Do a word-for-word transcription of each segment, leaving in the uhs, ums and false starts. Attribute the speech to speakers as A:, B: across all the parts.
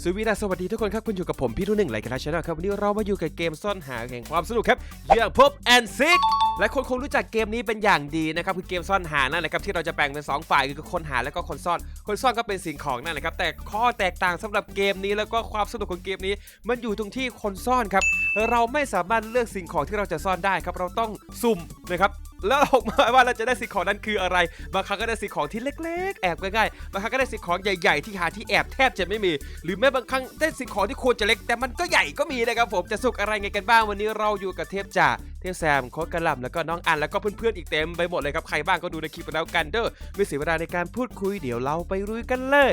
A: สวีดัสสวัสดีทุกคนครับคุณอยู่กับผมพี่รุ่นหนึ่งไรกันแล้วชาแนลครับวันนี้เรามาอยู่กับเกมซ่อนหาแห่งความสนุกครับอย่างพบแอนซิกและคนคงรู้จักเกมนี้เป็นอย่างดีนะครับคือเกมซ่อนหานั่นแหละครับที่เราจะแบ่งเป็นสองฝ่ายคือคนหาและก็คนซ่อนคนซ่อนก็เป็นสิ่งของนั่นแหละครับแต่ข้อแตกต่างสำหรับเกมนี้แล้วก็ความสนุกของเกมนี้มันอยู่ตรงที่คนซ่อนครับเราไม่สามารถเลือกสิ่งของที่เราจะซ่อนได้ครับเราต้องสุ่มนะครับแล้วออกมาว่าเราจะได้สิ่งของนั้นคืออะไรบางครั้งก็ได้สิ่งของที่เล็กๆแอบง่ายๆบางครั้งก็ได้สิ่งของใหญ่ๆที่หาที่แอบแทบจะไม่มีหรือแม้บางครั้งได้สิ่งของที่ควรจะเล็กแต่มันก็ใหญ่ก็มีนะครับผมจะสุกอะไรไงกันบ้างวันนี้เราอยู่กับเทพจ่าเทพแซมโค้ชกระหล่ำแล้วก็น้องอันแล้วก็เพื่อนๆอีกเต็มไปหมดเลยครับใครบ้างก็ดูในคลิปไปแล้วกันเด้อไม่เสียเวลาในการพูดคุยเดี๋ยวเราไปลุยกันเลย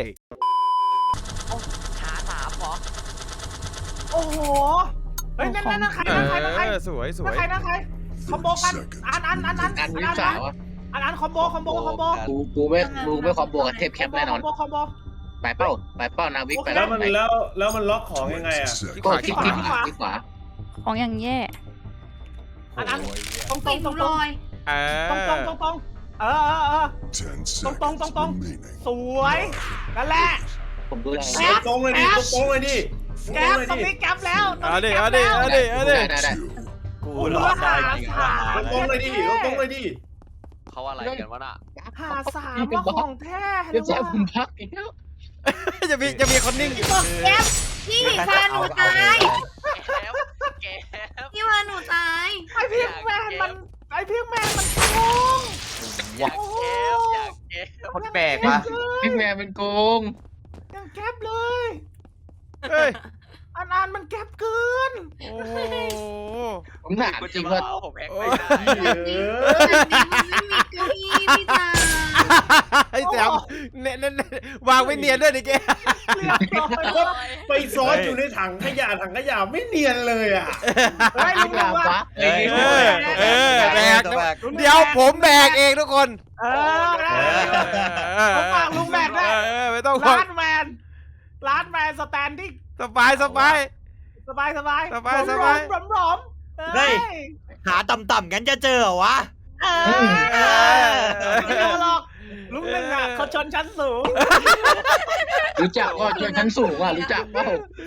B: หาสามเหรอ
C: โอ้โหเฮ้ยนั่นนั่นนั่นใครนั่นใครนั่นใคร
A: สวยสวย
C: นั่นใครนั่นใครคอมโบกันอันอันอันอัน
D: อันวิสาวอ่ะ
C: อันอันคอมโบคอมโบคอมโบ
D: กูกูไม่กูไม่คอมโบกับเทพแคปแน่นอน
C: คอมโบคอมโบ
D: ไปเป้าไปเป้านาวิกไป
E: แล้วมันแล้วแล้วมันล็อกของยังไงอ่ะ
D: ก็คลิกคลิกขวาคลิกขวา
F: ของอย่างแย่
C: อันอันตรงตร
F: ติ
C: ง
F: ด
C: ตรง
F: ล
C: ตรง
F: อย
A: เอ
C: ตรงตรงตรงตรงเออเออเออตรงตรงตรงตรงสวยนั่นแหละ
D: ผมดูแล
E: ตรงเลยดิตรงเลยดิ
C: แก๊ปตรงนี้แก๊ปแล้วตรง
A: เอาดิ
C: นี้
A: เอา
C: แก๊
A: ดิ
C: ป
A: เอา
C: แล้ว
A: ดิเอาดิ
D: ได้ได้
E: กู
C: โอ้โห
E: รอดได้
C: หาสาม
E: ตรงเลยดิตรงเลยดิ
B: เขาอะไรกันวะน่ะ
C: หาสามว่าของแท้เล
D: เรี
C: ย
D: ยบร้อย
C: ว่ะ
D: คุณพักอีกแล้ว
A: จะมีจะมีคนนิ่ง
F: บอกแก๊ปพี่พาหนูตาย
B: แก๊บแก๊บ
F: พี่พาหนูตาย
C: ไอพิกแมนมันไอพิกแมนมันโกง
B: อยากแก๊บอยากแก๊บ
C: คนแปลกว่ะ
D: พี่แม่เป็นโกง
C: ยังแก๊ปเลย
A: เฮ้ย
C: อันอันมันแก๊ปเกิน
A: โอ้โห
D: ผมถาม
B: คุณ
D: จริ
B: จะ
D: ง
B: มา
D: ว่า
B: เอาผมแฮกไป
F: แบบนี้แบบนี้มันไม่มีเก้าอี้พี่ตา
A: ไอ้แซมเน้นเน้นวางไว้เนียนด้วยดิแก
C: เรียบร้อย
E: ไปซ้อนอยู่ในถังขยะถังขยะไม่เนียนเลยอ่ะ
C: เฮ้ย
D: พี่
C: ลุง
D: ลา
C: ว่ะ
D: วะ
A: เออเออแบกนะเดี๋ยวผมแบกเองทุกคน
C: เออผมฝากลุงแบกด้วย
A: เออไม่ต้องห่วง
C: ร้านแมนร้านแมนสแตนดิ้ง
A: สบายสบาย
C: สบายสบาย
A: สบายสบาย
C: ร้อมร้อม
G: เฮ้ย หาต่ำๆงั้นจะเจอเหรอวะ
C: เออไม่เอาหรอกลุงหนึ่งอ่ะเขาชนชั้นสูง
D: รู้จักก็ชวนชั้นสูงอ่ะรู้จักเปล่า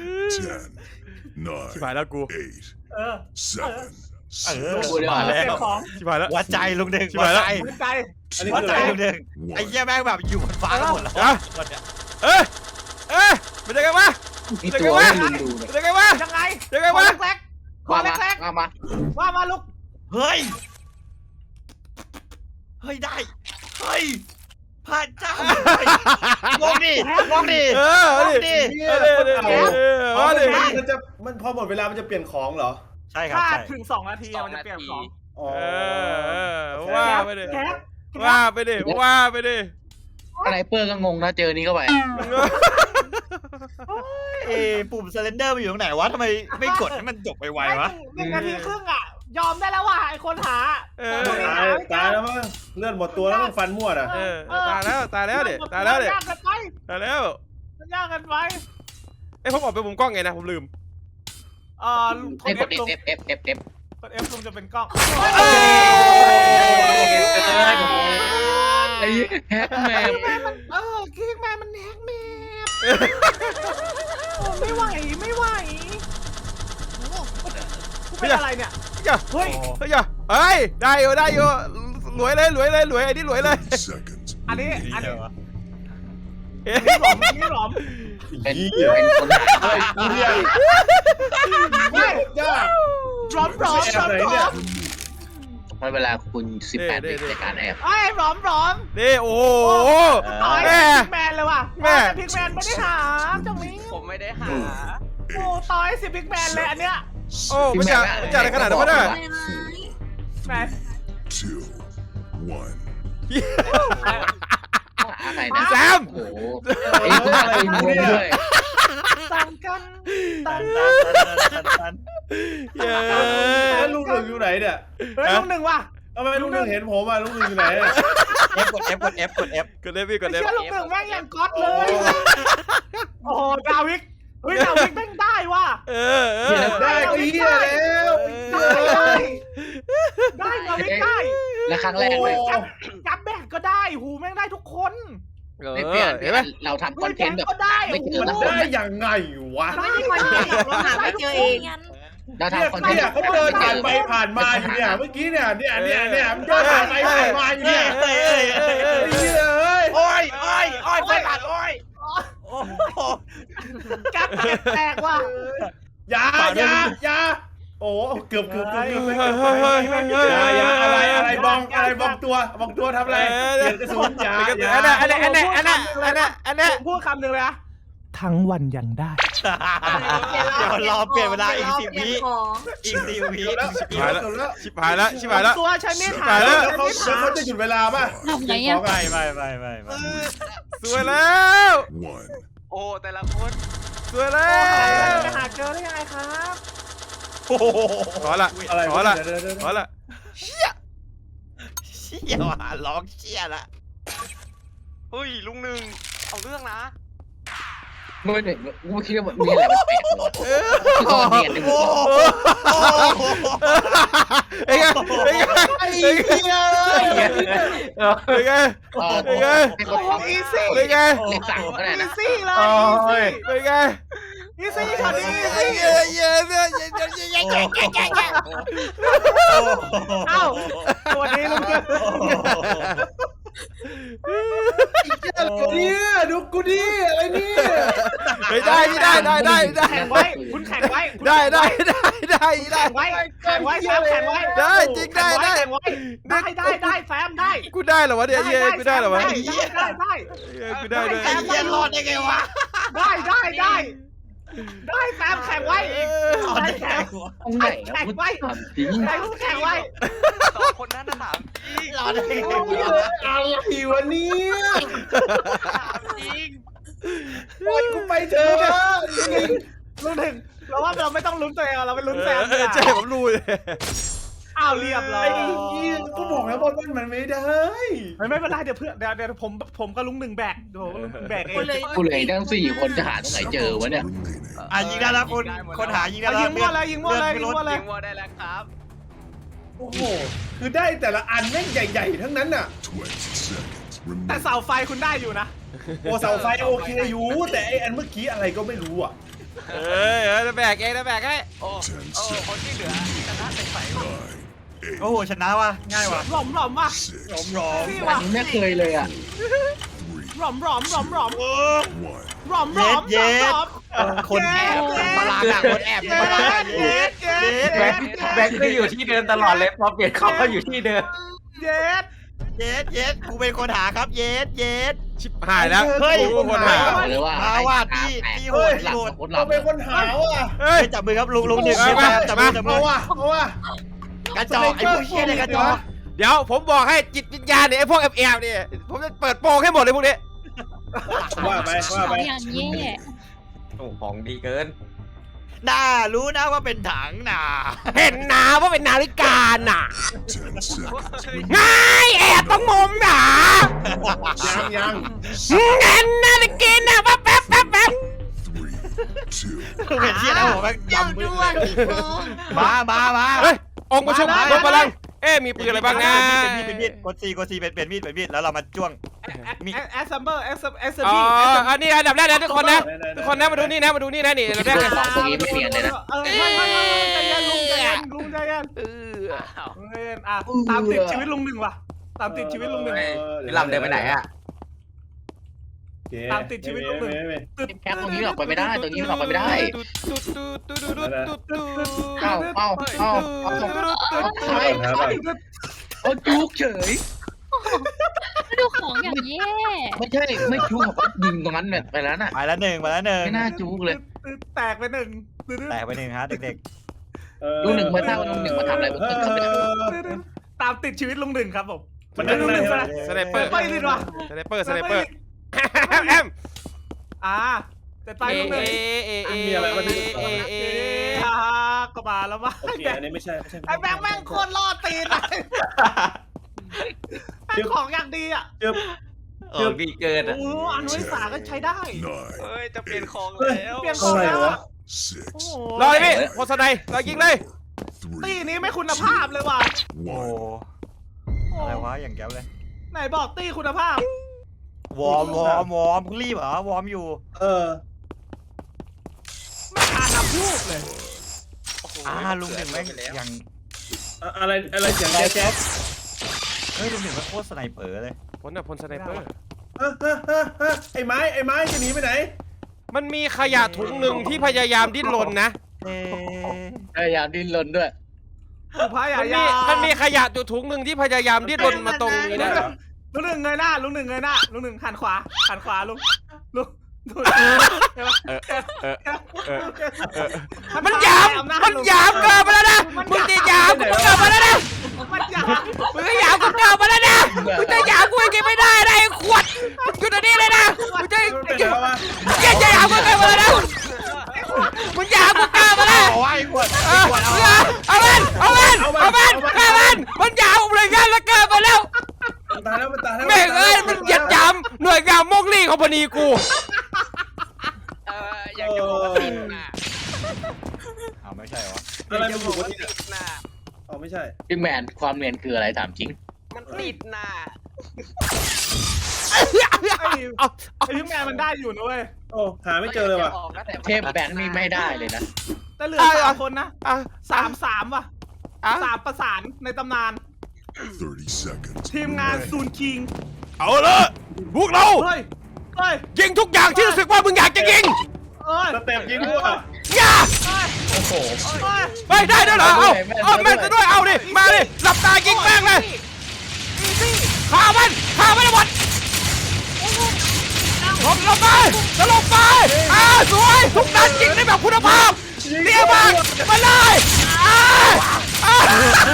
A: ชิบหายแล้วกู
C: เออ
G: เออ
D: กูเดี๋ยว
G: มา
C: เก็
G: แล้
C: บ
G: ว
C: ของ
A: ชิบหายแล้ว
G: วัดใจลุงหนึ่ง
A: ชิบ
G: วั
A: หา
G: ด
A: ยแล้ว
G: ใจ
C: หัวใจ
E: อันนี้
G: วัด
E: คือ
G: ใจ
E: อะไร
G: ลุงหนึ่งไอ้เหี้ยแม่งแบบอยู่บนฟ้ากันหมดแล้ว
A: อ่ะ
G: วันเนี้ย
A: เอ้ยเอ้ยเป็นยังไงวะ
D: มีตัวให้ลุงดูเลย
A: เป็นยังไงวะ
C: ยังไง
A: ยังไง
C: ขอ
A: วะ
C: เล็กๆขอ
D: ว่ามา
C: เล็ก
D: ว่ามา
C: ๆว่ามาลูก
G: เฮ้ย เฮ้ยได้ เฮ้ยพระเจ้าลงดิลงดิ
A: เออเอาดิ
E: เนี่ย
A: เอาดิเอาดิ
E: เอา
A: เอาดิ
E: มันจะมันพอหมดเวลามันจะเปลี่ยนของเหรอ
G: ใช่ครับ
C: ถ้า
G: ใช่
C: ถึงสองนาทีมันจะเปลี่ยนของ
E: อ๋อ
A: เออเออว่าไปดิ
C: แคป
A: ว่าไปดิว่าไปดิ
D: อะไรเปอร์ก็งงนะเจอนี้เข้าไป
G: เอ้ปุ่มเซเลนเดอร์มันอยู่ตรงไหนวะทำไมไม่กดให้มันจบไวๆวะ
C: หนึ่งนาทีครึ่งอ่ะ ยอมได้แล้วว่ะไอคนหา
A: เออ
E: ตายตายแล้วมั้งเลือดหมดตัวแล้วต้องฟันมั่วอ่ะ
A: เออตายแล้วตายแล้วเด็ตายแล้วเด็
C: ยากกันไป
A: ตายแล้ว
C: ยากกันไป
A: เอ้ผมออกไปมุมกล้องไงนะผมลืม
C: เอ่อ
D: ให้กด
C: ลุง
D: F F F F F
C: กด F ลุงจะเป็นกล้อง
D: ไอ้แฮกแมป
C: แม่มันเออคิกแม่มันแฮกแมปโอ้ไม่ไหวไม่ไหวกูเป็นอะไรเนี่ย เฮ้ย
A: เฮ้ยเฮ้ยได้อยู่ได้อยู่รวยเลยรวยเลยรวยไอ้นี่รวยเลย
C: อันนี้อันนี้
A: เอ๊ะ
C: หลอมนี่หลอม
D: เป็นเป็นคนหา
E: เฮ้ยเฮีย
C: ไม่
E: ยาก
C: หลอมหลอมหลอมหลอม
D: มันเวลาคุณสิบแปดวิในการแอบ
C: ไอ้หลอมหลอม
A: นี่โอ้โห
C: ต่อย
A: แม่
C: พิกแมนเลยว่ะ
A: แม่
C: พิกแมนไม่ได้หาจังนี้
B: ผมไม่ได้หา
C: โอ้ต่อยสิพิกแมนเลยอันเนี้ย
A: โอ้มันจะมันจะอะไรขนาดนั้นวะเนี่ย
C: แมน
H: two, one.
D: หาใครนะ
A: แซม
D: โอ้โหไอ้คนอะไรงงด้วย
C: ต่างกันต่าง
G: ตั
C: กัน
G: นตันตันตัน
A: เย้
E: แล้วลุงหนึ่งอยู่ไหนเนี่ย
C: เฮ้ยลูกหนึ่งว่ะ
E: ทำไมลุงหนึ่งเห็นผมอ่ะลุงหนึ่งอยู่ไหน
G: F กด F กด F กด F
A: กดเล็บพี่กด
C: ไอ้
A: เล็บ
C: เชี่ยลูกหนึ่งแม่งยังก๊อตเลย โอ้โหดาวิกเฮ้ยดาวิกแม่งได้ว่ะ
A: เออเออ
E: ได้ก็เฮียแล้ว
C: ได้ได้ได้ดาวิกได้
D: และครั้งแรกเลย
C: จับจับแบกก็ได้หูแม่งได้ทุกคน
A: เออ
D: ไม่เปลี่ยน
A: เห็นไหม
D: เราทำคอนเทนต์แบบ
C: ก็ได้
D: ไม่เจอ
E: มัน
D: สักคน
E: ได้ยังไงวะ
F: ไม่ได้คอนเทนต์หรอกเราหาไม่เจอเอง
D: เรา
E: เนี่ย
D: ทำคอนเทนต์
E: เนี่ยเขาเดินผ่านไปผ่านมาอยู่เนี่ยเมื่อกี้เนี่ยเนี่ยเนี่ยเนี่ยมันเดินผ่านไปผ่านมาอยู่เนี่ย
G: เอ้ยเอ้ยเอ้ยเอ้ย
E: ไอ้เหี้ยเอ้ย
G: โอ้ยโอ้ยโอ้ยไฟผ่านโอ้ยโอ้โห
C: กัดแตกว่ะ
E: อย่าอย่าอย่าโอ้เกือบเกือบเกือบเกือบ
A: เฮ้ยเฮ้ยเฮ้ยเฮ้ยเฮ้ย
E: อย่าอย่าอะไรอะไรบองอะไรบองตัวบองตัวทำอะไรเปลี่ยนกระสุนอย่าอย่า
A: อันนั้นอันนั้นอันนั้นอันนั้นอันนั้นอันนั้น
C: ผมพูดคำหนึ่งเลยนะทั้งวันยังได้
G: เดี๋ยวรอเปลี่ยนเวลาอีกสิบวิ
F: ของ
G: อีกสิบวิ
E: แล้ว
A: ชิบหายแล้ว
E: แล้ว
A: ชิบหายแล้วชิบหายแล้ว
C: ตัวใช้มีด
A: ชิบ
C: หา
A: หายแล้ว
E: แล้วเขาแล้วเขาจะหยุดเวลาป่ะ
I: ทำไง
E: ข
I: อะ
E: อไง
G: ไม่ไม่ไม่ไม่ไม่
A: สวยแล้ว
H: One.
B: โอ้แต่ละคน
A: สวยแล้
C: จะ
A: ว
C: หาเจอได้ยังไงครับ
G: โอ้โห
A: ขอละ
E: อะไร
A: ขอละ
E: เดี๋ยวเดี๋ยวเดี๋ยว
A: ขอละ
G: เชี่ยว่ะร้องเชี่ยละ
B: เฮ้ยลุงหนึ่งเอาเรื่องนะ
D: เมื่อหนึ่งกูคิดว่ามีอะไรแปลกๆคือตอนเรียนหนึ่ง
G: โอ้โห
A: เอ้ยเอ้ยเอ้ยเอ้ยเอ้ยเอ้ย
D: เออ
A: เป็นไง
D: ให้เขาทำ
C: อีซี่
A: เป็นไง
D: เลขสามก็ได้
C: อี
D: นะ
C: ซี่เลย
A: เป็นไง
C: อีซี่ช็อตนี้อี
A: เอ้
C: ซี่
A: ยเอ้ยเอ้ยเอ้ยเอ้ยเอ้ยเอ้ยเอ้ยเอ้ยเอ้ยเอ้ย
C: เอ้าตัวนี้ลุงเกิน
E: เนี่ยดูกูดิอะไรเนี่ย
A: ไม่ได้ไม่ได้ได้ได้ได้
C: แข่งไว้คุณแข่งไว้
A: ได้ได้ได้ได้ได้
C: แข่งไว้แข่งไว้แซมแข่งไว้
A: ได้จริงได้ได้
C: แข่งไว้ได้ได้ได้แซมได้
A: กูได้เหรอวะเนี่ยเย้กูได้เหรอวะ
C: ได้ได้ได้
A: เย้กูได้ด้วย
G: ไอ้เหี้ยรอดได้ไงวะ
C: ได้ได้ได้ได้แซมแข่งไว้
G: รอดได้ไงวะ
D: ตรงไหนนะพูดถามจริง
C: ได้แข่งไว้
B: สองคนนั้นนะถามจริง
G: รอดได้ไงวะ
E: อะไรวะเนี่ย
B: ถามจริง
E: ปล่อยกูไปเถอะ
C: ลุ้นถึงเราว่าเราไม่ต้องลุ้นตัวเองเราไปลุ้นแซม
A: เออใช่ผมรู้เลย
C: อ้าวเรียบร้อ
E: ไอ้
C: ย
E: เหี้ยกูบอกแล้วบอลมันไม่ได้
C: ไม่เป็นไรเดี๋ยวเพื่อนเดี๋ยวเดี๋ยวผมผมก็ลุงหนึ่งแบกเดี๋ยวผมลุงหนึ่งแบกเอง
F: คนเลย
D: กูเลยทั้งสี่คนจะหาตรงไหนเจอวะเนี่ย
H: Remaining.
G: อ่ะยิงได้แล้วคนคนหายิงได้
C: เอา
G: แล้ว
C: ยิงมั่วเลยยิงมั่วเลยยิงมั่วเล
B: ยิ
C: ย
B: งวัวได้แล้วครับ
E: โอ้โหคือได้แต่ละอันแม่งใหญ่ๆทั้งนั้นน่ะ
H: Twenty seconds
C: แต่
H: remaining.
C: เสาไฟคุณได้อยู่นะ
E: โอ้เสาไฟโอเคอยู่แต่ไออันเมื่อกี้อะไรก็ไม่รู้อ่ะ
A: เอ้ยเอ้ยแบกเองนะแบกให้
B: โอ้โอ้คนที่เหลือชนะเป็นไฟ
H: Nine. Eight.
G: โอ้โหชนะว่ะง่ายว่ะ
C: หลอมหลอมว่ะ
H: Six.
G: หลอมหลอม
C: พี่
D: อั
C: ว่ะ
D: นนี้ไม่เคยเลยอ่ะ
H: Three.
C: หลอมหลอมหลอมหลอม
G: เออ
H: One.
C: หลอมหลอมหลอมหลอม
G: คนแอบมาลาดคนแอบ
C: เย็
G: มาลา
C: ดเย็ดเย็ด
G: แบ
C: เย็
G: ง
C: ด
G: ค์
J: แบงค์ก็อยู่ที่เดิมตลอดเลยพอเปลี่ยนเขาก็อยู่ที่เดิม
C: เย็ด
G: เย็ดเย็ดกูเป็นคนหาครับเย็ดเย็ด
A: ชิบหายแล้ว
G: เฮ้ย
A: กูคนหา
D: บอกเลยว่า
G: มาว่าพี่พี่โหด
D: หลับ
G: โหด
D: คนหลั
E: เรา
D: บ
E: เป็นคนหาว่ะ
A: เฮ้ย
G: เฮ้ยจับมือครับลุงลุงหนึ่ง
A: เอามา
G: จับมือจับมื
E: เอา
G: อ
E: ว่ะเอาว่ะ
G: กระจอกไอ้ผู้เชี่ยเนี่ยกระจอก
A: เดี๋ยวผมบอกให้จิตวิญญาณเนี่ยไอ้พวกแอบแอบเนี่ยผมจะเปิดโปงให้หมดเลยพวกนี้
E: ว่าไป
I: ข
E: ว่า
I: อ
E: ไป
I: อย่างแย่
J: โอ้ของดีเกิน
G: น่ารู้นะว่าเป็นถังน่ะ
A: เห็นนะว่าเป็นนาฬิกาน่ะ
H: Ten seconds.
A: ง่ายแอบต้องมุมหนา
E: ยังยัง
A: เงินนาฬิกาน่ะแป๊บแป๊บแป๊บแป๊บ
H: Three. Two.
G: เป็นเชี่ยแล้วผมแม่ง
F: เจ้า
G: ดำมื
F: ด้
G: อ
F: วนอีกโกง
G: มามามา
A: เฮ้ยองค์ประชุมรวมพลังเอ๊ะมีปืนอะไรบ้างนะ
G: เป็นมีดเป็นมีดกดซีกดซีเป็นเป็นมีดเป็นมีดแล้วเรามาจ้วง
C: แอสซัมเบอร์แอสแอส
A: อ๋อ
C: บี
A: อันนี้อันดับแรกนะทุกคนนะทุกคนนะมาดูนี่นะมาดูนี่นะนี่อันดับแรกนะ
D: ของตรงนี้ไม่เนียนเลยนะ
C: เออไม่ไม่ไม่ใจเย็นลุงใจเย็นลุงใจเย็น
A: เออ
B: อ้าว
C: เย็นอ่ะตามติดชีวิตลุงหนึ่งว่ะตามติดชีวิตลุงหนึ่ง
J: พี่ลำเดินไปไหนอ่ะ
C: ตามติดชีวิตลุงหนึ่ง
D: แค่ตรงนี้ออกไปไม่ได้ตรงนี้ออกไปไม่ได้ เอ้าเอ้าเอ้าเอาเอาจุกเฉย
I: ดูของอย่างแย่
D: ไม่ใช่ไม่จุกเขายิงตรงนั้นเนี่ยไปแล้วน่ะ
G: ไปแล้วหนึ่งไปแล้วหนึ่ง
D: ไม่น่าจุกเลย
C: แตกไปหนึ่ง
G: แตกไปหนึ่งฮะเด็ก
D: ลุงหนึ่งมาทราบว่าลุงหนึ่งมาทำอะไรบนตึกครับเนี่ย
C: ตามติดชีวิตลุงหนึ่งครับผม
E: มันนั่ง
C: ลุงหนึ่ง
E: ไหน
A: สไนเปอร์
C: ไปดิวะ
A: สไนเปอร์สไนเปอร์แอม
C: อ่าแต่ไป
A: เอ
C: ลุงหนึ่ง
A: เอเอ
E: มีอะไรมาดู
A: เอเอ
C: อ่าก็มาแล้วมั้ง
E: โอเคอันนี้ไม่ใช่ไม่ใช่
C: ไอ้แบงค์แม่งโคตรล่อตีนเลยแม่งของอย่างดีอ่ะ
E: เกือบ
J: ของดีเกิน
C: โอ้
J: อ่ะ
C: โหอนุสาก็ใช้ได้
H: Nine.
B: เฮ้ยจะเปลี่ยนของแล้ว
C: เปลี่ยนของแล้วอะ
H: Six.
C: โอ้โห
A: รอเลยพี่โคสไนรอยิงเลย
C: ตี
H: Three.
C: นี้ไม่คุณภาพเลยว่ะ
G: ๆโอ้
H: One.
G: อะไรวะอย่างแก้วเลย
C: ไหนบอกตีคุณภาพ
G: วอร์มวอร์มวอร์มมึงรีบเหรอวอร์มอยู่
E: เออ
C: ไม่อ่านน้ำพูกเลย
G: อ่าลุงหนึ่งแม่งยัง
E: อะอะไรอะไรเสียงแจ๊สแจ๊ส
G: เฮ้ยลุงหนึ่งมันโคตรสไนเปอร์เลย
A: พลน่ะพลสไนเปอร์
E: ฮะฮะฮะฮะไอ้ไม้ไอ้ไม้จะหนีไปไหน
A: มันมีขยะถุงหนึ่งที่พยายามดิ้นรนนะ
G: เอ๊ะ
D: พยายามดิ้นรนด้วย
C: พายา
A: มันมี
C: ยา
A: มันมีขยะอยู่ถุงหนึ่งที่พยายามดิ้นรนมาตรงนี้นะ
C: ลุงหนึ่งเงยหน้าลุงหนึ่งเงยหน้าลุงหนึ่งหันขวาหันขวาลุงลุงลุง
A: เออเออเออเออมันหยาบมันหยาบเกินไปแล้วนะมึงจะหยาบกูเกินไปแล้วนะ
C: มันหยาบ
A: มึงจะหยาบกูเกินไปแล้วนะมึงจะหยาบกูยังกินไม่ได้นะไอ้ขวดมึงอยู่ตรงนี้เลยนะมึงจะ
E: ไปไหนแล้ววะ
A: มึงจะหยาบกูเกินไปแล้วนะมึงหยาบกูเกินไปแล้ว
G: เอาไว้ขวด
A: เอาเอามันเอามันเอามันเอามันมันหยาบเลยงั้นแล้วเกินไปแล้ว
E: มันตายแล้วมันตายแล้ว
A: แม่งเอ้ยมันเหยียดหยามหน่วยงานมกลี่ของพนีกู
B: เอออยากจะบอกว่าติดน่ะ
G: อ้าวไม่ใช่เหรอ
E: อะไร
B: อยาก
E: มัน
B: จะ
E: อบ ยู่
B: อก
E: บน
B: ว่า
E: นี้
B: ติดน่ะ
E: อ๋อไม่ใช่
D: บิ๊กแมนความเนียนคืออะไรถามจริง
B: มันติดน่ะ
C: ไอ้
A: เอา
C: ไอ้พี่แมนมันได้อยู่นะเว้ย
E: โอ้หาไม่เจอเลยว่ะ
B: ออกนะแต่
D: เทพแบงค์นี่ไม่ได้เลยนะ
C: แต่เหลือสามคนนะ
A: อ่ะ
C: สามสามว่ะ
A: อ่ะ
C: สามประสานในตำนาน
H: thirty seconds.
C: ทีมงานซูนคิง
A: เอาละพวกเรา
C: เฮ้ยเฮ้ย
A: ยิงทุกอย่างที่รู้สึกว่ามึงอยากจะยิง
C: เอ้ย
E: สเต็ปยิงด้วย
A: อย่า
D: โอ้โห
C: เฮ้ย
A: ไปได้ด้วยเหรอเอาเอาแม่นจะด้วยเอาดิมาดิหลับตายิงแม่งเลยฆ่ามันฆ่ามันให้หมดลงลงไปแล้วลงไปอ่าสวยทุกนัดยิงได้แบบคุณภาพเรียบมากมาเลยอ่าอ่า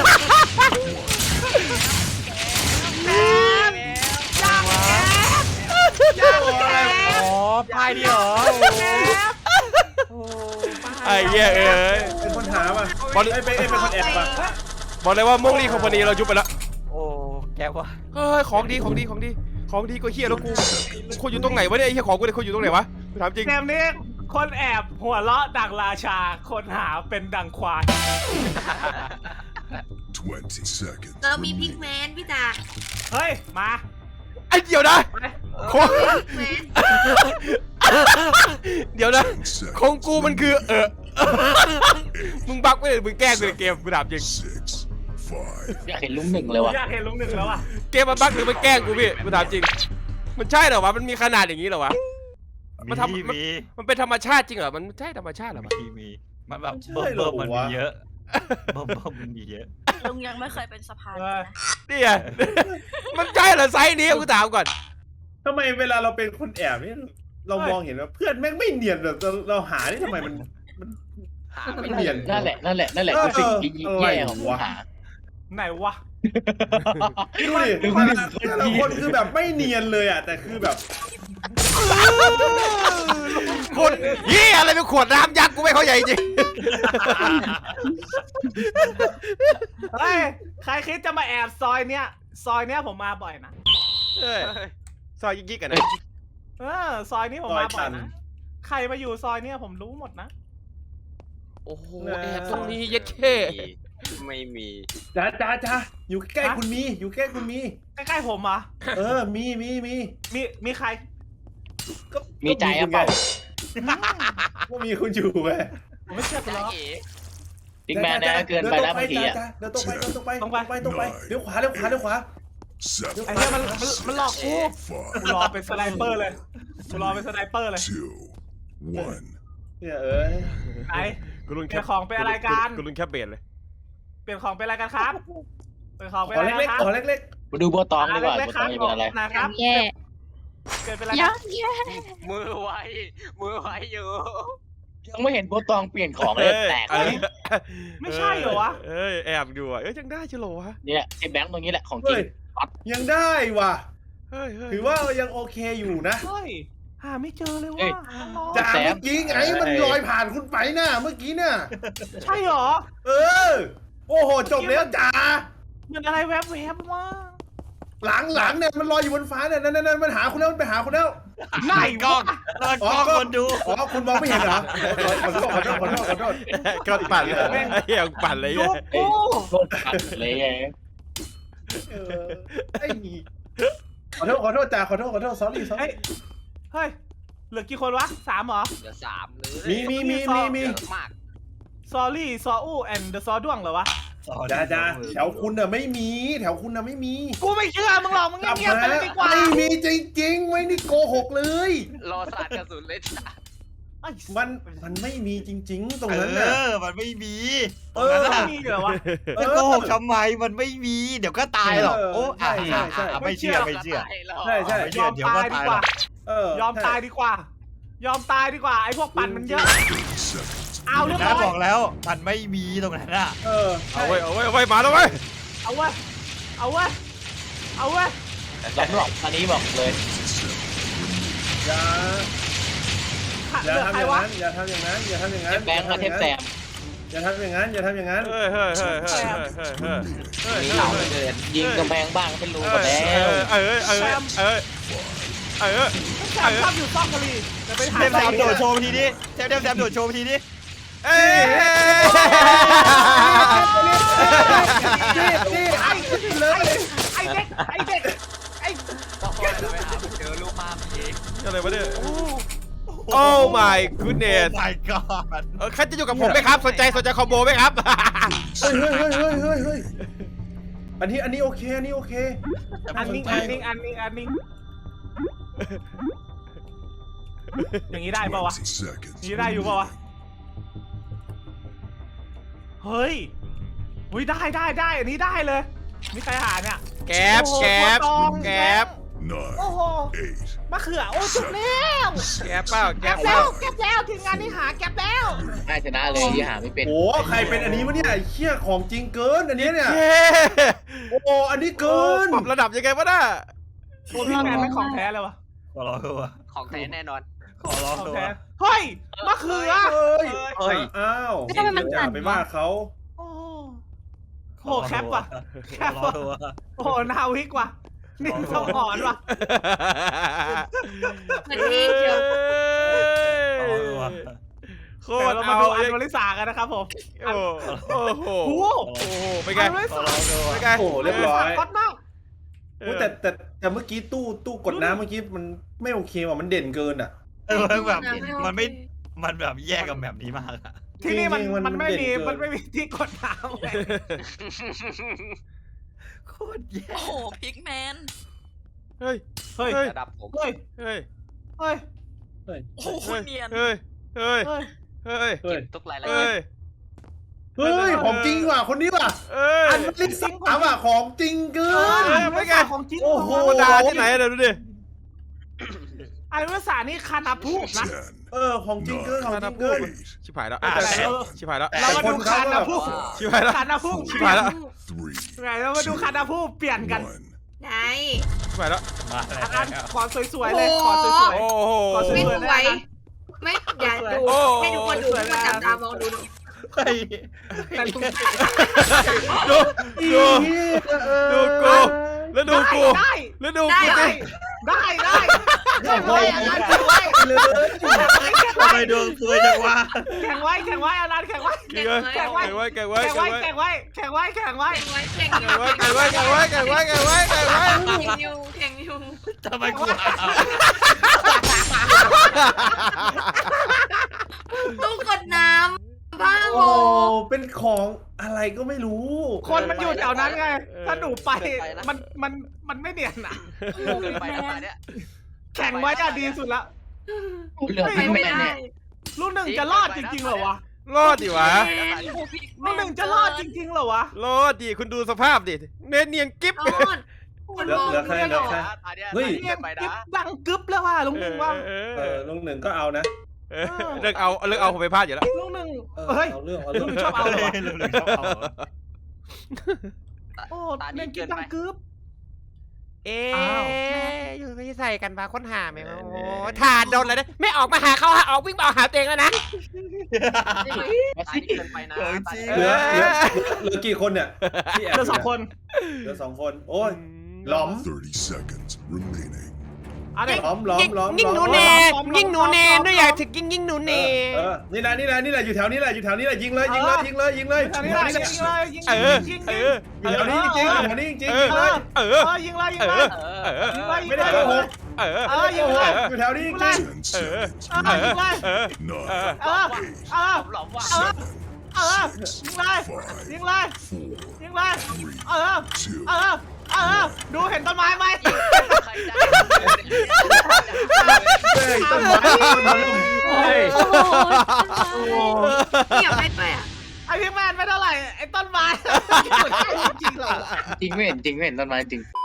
G: อ๋อพายดีเหรอโอ้
A: ไอ้เหี้ยเอ้ย
E: เป็นคนหาป่ะ
A: บอล
E: ไอ้เป็นไอ้เป็นคนแอบป่ะ
A: บอกเลยว่ามงลี่คอมพานีเรายุบไปแล้ว
G: โอ้แกว่า
A: เฮ้ยของดีของดีของดีของดีก็เฮียแล้วกูคนอยู่ตรงไหนวะเนี่ยไอ้เฮียของกูเนี่ยคนอยู่ตรงไหนวะกูถามจริง
C: เกมนี้คนแอบหัวเราะดังราชา คนหาเป็นดังควาย
H: twenty seconds.
F: เรามีพิกแมนพี่จ๋า
C: เฮ้ย มา
A: ไอ้เดี๋ยวนะของ
F: พิกแมน
A: เดี๋ยวนะ
H: ten seconds.
A: ของกูมันคือเออมึงบักไม่ได้มึงแกล้งกูในเกมกูถามจริง
H: Six, five,
D: อยากเห็นลุงหนึ่งเลยว่ะ
C: อยากเห็นลุงหนึ่งแล้วอ่ะ
A: เกมมันบักหรือมันแกล้งกูพี่กูถามจริง มันใช่เหรอวะมันมีขนาดอย่างนี้เหรอวะ มันทำ
G: มี
A: มัน
G: มี
A: มันเป็นธรรมชาติจริงเหรอมันใช่ธรรมชาติเหรอวะ
G: มีมีมันแบบเบิ่มเบิ่มมันมีเยอะเบิ่มเบิ่มมันมีเยอะ
I: ลุงยังไม่เคยเป็นสะพาน
C: เออ
A: เนี่ย มันใช่เหรอไซส์นี้กูถามก่อน
E: ทำไมเวลาเราเป็นคนแอบนี่เรามองเห็นว่าเพื่อนแม่งไม่เนียนแบบเราเราหานี่ทำไมมันมันไม่เนียน
D: นั่นแหละนั่นแหละนั่นแหละคือสิ่งที่แย่ของปัญหา
C: ไหนวะ
E: ดูดิแต่ละคนคือแบบไม่เนียนเลยอ่ะแต่คือแบบ
A: คนเฮียอะไรเป็นขวดน้ำยักษ์กูไม่เข้าใจจริง
C: เฮ้ย ใครคิดจะมาแอบซอยเนี้ย ซอยเนี้ยผมมาบ่อยนะ
A: เอ้ยซอยยิกๆกันนะ
C: เออ ซอยนี้ผมมาบ่อยนะ ใครมาอยู่ซอยเนี้ยผมรู้หมดนะ
A: โอ้โหแอบตรงนี้เย็ดเข้
B: ไม่มี
E: จ้าจ้าจ้าอยู่ใกล้คุณมีอยู่ใกล้คุณมี
C: ใกล้ๆผมเหรอ
E: เออมีมีมี
C: มี มีใคร
E: ก็
D: มีใจอะเปล่า
E: ก็มีคุณอยู่ไง
C: ผมไม่เชื่อคุณหรอก
D: บิ๊กแมนนะเกินไปนะบางทีอ่ะ
E: เดินตรงไปเดินตรงไป
C: ตรงไป
E: ตรงไปเลี้ยวขวาเลี้ยวขวาเลี้ยวขวา
H: seven,
C: ไอ้เนี่ยมันมันมันหลอกกู กูรอ
H: five,
C: เป็นสไนเปอร์เลย กูรอเป็นสไนเปอร์เลย
H: two, one.
E: เนี่ยเอ้ย
C: ไอ้
A: กูรุน
C: เปลี่ยนของเป็นอะไรกัน
A: กูรุนแคปเบดเลย
C: เปลี่ยนของเป็นอะไรกันครับ เปลี่ยนของเป็น
E: ขอ
C: อะไร
E: เล็ก
C: กัน
E: ๆ
C: ครับ
E: ขอเล็ก
D: มาดูโบตองดีกว่า
C: เล็
D: โบ
C: กๆ
D: ตองจะเป็นอะไร
C: นะครับ
I: แย่
C: เปลี่ยนเป็นอะไร
I: ยั
C: ครับ
I: งแย่
B: มือไวมือไวอยู่
D: ยังไม่เห็นโบตองเปลี่ยนของเลยแตกเลย
C: ไม่ใช่เหรอวะ
A: เอ้ยแอบอยู่อ่ะเอ้ยยังได้ชิโลวะ
D: เนี่ยไอ้แบงค์ตรงนี้แหละของ
E: ๆ
D: จริ
E: เฮ้
D: ง
E: ยยังได้ว่ะ
A: เฮ้ยเฮ้ย
E: ถือว่ายังโอเคอยู่นะ
C: เฮ้ย หาไม่เจอเลย
D: เอ้
C: ว่ะ
D: ย
E: จ่าเมื่อกี้ไงมันลอยผ่านคุณไปน่ะเมื่อกี้น่ะ
C: ใช่เหรอ
E: เออ โอ้โหจบแล้วจ่า
C: มันอะไรแวบๆวะ
E: หลังหลังเนี่ยมันลอยอยู่บนฟ้าเนี่ยนั่นนั่นนั่นมันหาคุณแล้วมันไปหาคุณแล้ว
C: ไหน
G: กล้อ
C: วะ
G: งแล้วกล้องคนดู
E: อ๋อคุณมองไม่เห็นเหรอขอโทษขอโทษขอโทษขอโทษ
A: กระปั่นเลยไอ้เหี้ยปั่นเลย
C: ยุ
A: เนี่ย
C: บกู
D: โคตรขัดเลยไง
E: เออไอ้ขอโทษขอโทษจ่าขอโทษขอโทษ sorry
C: เฮ้ย
E: sorry
C: เฮ้ยเหลือกี่คนวะสามเหรอ
B: เหลือสามเลย
E: มีมีมีมีมี
B: เยอะมาก
C: ซอรี่ซออู้แอนเดอะซอด้วงเหรอวะ
E: จ่าจ่าแถวคุณน่ะไม่มีแถวคุณน่ะไม่มี
C: กูไม่เชื่อมึงหรอกมึง
E: กลับ
C: เงียบๆไป
E: มา
C: เลยดีกว่า
E: ไม่มีจริงๆไว้นี่โกหกเลย
B: รอสาดกระสุนเลยจ้ะ
C: ไอ้
E: มันมันไม่มีจริง ๆ ตรง
G: เอ
E: นั้นน่ะ
G: อ มันไม่มี
E: เออ
C: ไม่มีเหรอวะ
G: จะโกหกทำไมมันไม่มี เดี๋ยวก็ตายหรอกโอ้
E: ใช่ใช่ใช่
G: อ่ะไม่เชื่อไม่เชื่อ
E: ใช่ใช่
G: ไม่
C: ย
G: เชื่
C: อ
G: อ
C: ม
G: เดี๋ยว
C: ตา
G: ก็
C: ยดี
G: ตาย
C: ก
G: หร
C: ว่า
G: อก
E: เออย
C: อมตายดีกว่า ยอมตายดีกว่าไอ้พวกปั่นมันเยอะ
H: seconds.
C: เอาเรียบ
G: นะ
C: ร้อย
G: บอกแล้วมันไม่มีตรงนั้นอ่ะ
E: เออ
A: เอาไว้เอาไว้เอาไว้มาแล้วเว้ย
C: เอาเว้ยเอาเว้ยเอาเว้ย
J: สำหรับอันนี้บอกเลย
E: อย่า
C: ขาด
E: อย่า
C: เหลือ
E: ทำ
C: ใค
E: อ
C: ร
E: ย่าง
C: วะ
E: นั้นอย่าทำอย่างนั้นอย่าทำอย่างนั้น
J: แบงค์มาเทปแซม
E: อย่าทำอย่างนั้นอย่าทำอย่างนั้น
A: เฮ้ยเฮ้ยเฮ้ยเฮ้ยเฮ้ยเฮ้ยเฮ้ย
J: มีเหล่าเกินยิงกำแพงบ้างเป็นรูหมด
A: เอ
J: แล้ว
A: อเออเออเออเออ
C: แซมชอบอยู่ซอกกะลีจะไปหา
G: เทมแซมโดดโชว์ทีนี้เทมแซมโดดโชว์ทีนี้
A: เอ้ย
E: นี่ไอ้เลย
C: ไอ้เด็กไอ้เด็กไอ้
B: ต้องคอยไปหาเจอลูกมามี
A: อะไรวะเนี่ย โอ้ my goodness
G: โอ้ my god
A: เออใครจะอยู่กับผมไหมครับ สนใจสนใจคอมโบไหมครับ
E: เฮ้ยเฮ้ยเฮ้ยเฮ้ยเฮ้ยอันนี้อันนี้โอเคอันนี้โอเค
C: อันนิ่งอันนิ่งอันนิ่งอันนิ่งอย่างนี้ได้ป่าวะ
H: twenty seconds.
C: อย่างนี้ได้อยู่ป่าวะ เฮ้ยอุ้ยได้ได้ได้อันนี้ได้เลยมีใครหาเนี่ย
A: แก๊บแก๊บแก๊บ
H: Nine,
C: โอ้โห
H: eight,
C: มะเขือโอ้จุดแล้ว
A: แก๊บเปล่าแก๊
C: แก็
A: บบ เป
C: แล้
A: ล่าว
C: แก็บแล้วทีมงานนี้หาแก็บแล้ว
J: น่าชนะเลยที่หาไม่เป็น
E: โอ้ใครเป็นอันนี้วะเนี่ยไอ้เชี่ยของจริงเกินอันนี้เนี่ย
A: เย้
E: โอ้อันนี้เกิน
A: ปรับระดับยังไงวะน่ะ
C: โอ้พี่แมนเป็นของแท้เลยวะ
G: ขอร้องเถอะวะ
B: ของแท้แน่นอน
G: ขอร้อง
C: ของ
G: เถอะ
C: แท้
G: วะ
C: เฮ้ยมะเขือ
E: เอ้ย
J: เฮ้ย
E: อ้าว
I: แล้วทำไมมันสั่น
E: ไปว่าเขา
C: โอ้โหแคปว่ะ
G: ขอร้องเถอะวะ
C: โอ้โหนาวิกว่ะนี่สมอนว่ะ
F: มันเองเชียว
G: ขอร้องเถอะวะ
A: โค
C: เดี๋ยว
A: ตร
C: เรามา
A: เอา
C: ดูอันวลิสากันนะครับผม
A: โอ้โอ้โห
C: โอ้โห
A: โอ้โหเป็นไง
C: อันวลิ
G: ขอ
C: สา
G: ร้องเถอะวะ
A: เป็นไง
E: โอ้เรียบร้อย
C: ฮอตมาก
A: เอ
E: โอ้
A: อ
E: แต่แต่แต่เมื่อกี้ตู้ตู้กดน้ำเมื่อกี้มันไม่โอเคว่ะมันเด่นเกินอ่ะ
G: เออมันแบบมันไม่มันแบบแย่กับแบบนี้มากอะ
C: ที่นี่มัน
E: จริงๆมัน
C: มันไม่มี
E: เด่นเกิน
C: มันไม่มีที่กดน้ำเลย
G: โคตรแย่
F: โอ้โหพิกแมน
A: เฮ้ย
C: เฮ้ย
A: เฮ้ย
B: ระดับผม
C: เฮ้ย
A: เฮ้ย
C: เฮ้ย
F: โอ้โหเนียน
A: เฮ้ยเฮ้ย
C: เฮ้ย
A: เฮ้ย
E: เฮ้ย
B: ทุกรายละ
A: เฮ้
B: เอีย
A: ย
B: ด
E: เฮ้ยของจริงว่ะคนนี้ว่ะ
A: เฮ้ย
E: อันนี้สามว่ะของจริงเกิ
C: เอน อไม่ไงของจริง
E: โอ้โห
A: ธรรมดาที่ไหนเดี๋ยวดูดิ
C: อันวลิสานี่คานาพูกนะ
H: ten,
E: เออของจริงเกินของจริงเกิน
H: eight,
A: ชิบหายแล้ว
G: อ่ะ
C: แต่
G: แต่
C: เออ
A: ชิบหายแล้ว
C: เรามาดูคานาพูก
A: ชิบหายแล้ว
C: คานาพูก
A: ชิบหายแล้ว
H: three,
C: ไงเรามาดูคานาพูกเปลี่ยนกัน
H: one.
F: ไหน
A: ชิบหายแล้ว
G: มา
C: อัน
G: แล้
C: นั้น
G: ว
C: ขอสวยๆเลยขอสวย
A: โอ้โห
C: ขอส
F: ไม่
C: วย
F: สวย ไม่อย่าดู
A: โอ้
F: ให้ทุกคนดูทุกคนจับตามองดูหน่อย
G: เฮ้ย
C: ๆแต่ดู
A: ดูดู ดูกู แล้วดูกู
C: ได้
A: แล้วดู
F: ได้
A: กู
C: ได้
A: สิ
C: ได้ได้แข่งไว้อันนั้นแข่งไว้
E: เลย
G: ทำไมดวงสวยจังวะ
C: แข่งไว้แข่งไว้อันนั้นแข่งไว้
A: แข่งไว้แข่งไว้แข่งไว้
C: แข่ง
A: แข่ง
C: ไว้
A: ไว้
C: แข่งไว้แข่งไว้แข่งไว้
F: แข่งไว้แข่ง
A: แข่งไว้แข่งไว้แข่งไว้แข่งไว้แข่งไว้แข่งไว้
F: แข่งอยู่แข่งอยู่
G: ทำไมกูหา
F: ตู้กดน้ำบ้าโบ
E: โอ้เป็นของอะไรก็ไม่รู้
C: คนมันอยู่แถวนั้นไง ถ้าหนูไปมันมันมันไม่เนียนอ่ะ
B: เกินไปนะป่าเนี่ย
C: แข่งไว้อะดีสุดละ
J: เหลือ
F: ไป
J: พี่แม
F: ไม่
J: น
F: ได้
J: เนี่ย
C: ลูกหนึ่งจะรอดจริงๆเหรอวะ
A: รอดดิวะ
C: ลูกหนึ่งจะรอดจริงๆเหรอวะ
A: รอดดิคุณดูสภาพดิเนเนียนกิ๊บ
F: รอดคนมอง
E: เหลือใครเหลือใคร
B: ตาเนี่ย
E: เฮ้ย
B: เกินไป
C: กิ๊
B: นะ
C: บดังกึ๊บแล้วว่ะลุงหนึ่งว่า
A: เอ
E: เอ
A: อ
E: อลุงหนึ่งก็เอานะ
A: เออเลิกเอาเลิกเอาผมไปพลาดอยู่แล้ว
C: ลุงหนึ่ง
E: เออ
C: เฮ้ย
E: เอาเรื่องเอา
C: ลุ
E: เรื่อง ง
C: หนึ่งชอบเอาเหรอวะ
G: เร็วๆชอบเอา
C: โอ้
B: ตา
C: เล่
B: นี้
C: นกิ๊
B: เกิ
C: บ
B: น
C: ดั
B: ไป
C: งกึ๊บ
A: เอ๊
C: อ้าว
A: อยู่ไม่ใส่กันมาค้นหาไหมโอ้ถ่านโดนเลยนะไม่ออกมาหาเขาหาออกวิ่งมาหาตัวเองแล้วนะ
B: ตานี้เกินไปนะ
G: ของจริง
E: เหลือเหลือเหลือกี่คนเนี่ยที่แอบ
C: เหลือสองคน
E: เหลือสองคน โอ้ย หลอม
H: thirty seconds remaining.
C: เอาดิ
E: ล้อมล้อมล้อม
A: ยิ่งหนู
E: ล้อม
A: เน่
C: ล้อมล้อม
A: ยิ่งหนูเน่
C: ล้อม
A: ด้วยอยากถึงยิ่งยิ่งหนู
E: เอ
A: เน่
E: อเออนี่นะนี่นะนี่แหละอยู่แถวนี้แหละอยู่แถวนี้แหละยิงเลยยิงเลยยิงเลยยิงเลย
C: ทางนี้เลยยิงเลยยิง
A: เออ
C: ยิง
A: เอ
C: ยิง
A: อ
E: อยู่แถวนี้จริงๆอยู่แถวนี้จริงๆยิง
C: เอ
E: เล
C: อย
A: เอ
C: เอ
A: อ
C: อยิงเลยยิง
A: เอ
C: เล
A: อย เออ
C: ยิงเลยยิง
E: ไม่
C: เล
E: ได้
C: ย
E: โกหก
A: เออ
C: เออยิงเลย
E: อยู่แถวนี้จริง
H: Ten
A: Uh,
H: seconds.
C: เออยิงเลย
A: เออ
H: Nine,
C: เออเออ
B: หลอมว่ะ
H: seven,
C: เออยิงเลยยิงเลย
H: four,
C: ยิงเลย
H: three,
C: เออ
H: two,
C: เออเออดูเห็นต้นไม้ไหม
B: ใครได้
E: เฮ้ยต้นไม้ต้นไม้
A: เฮ้ย
I: โอ้โห
F: เกี่ยวไปด้วยอ่ะ
C: ไอพี่แมนไม่เท่าไหร่ไอต้นไม้
J: จริงไม่เห็นจริงไม่เห็นต้นไม้จริง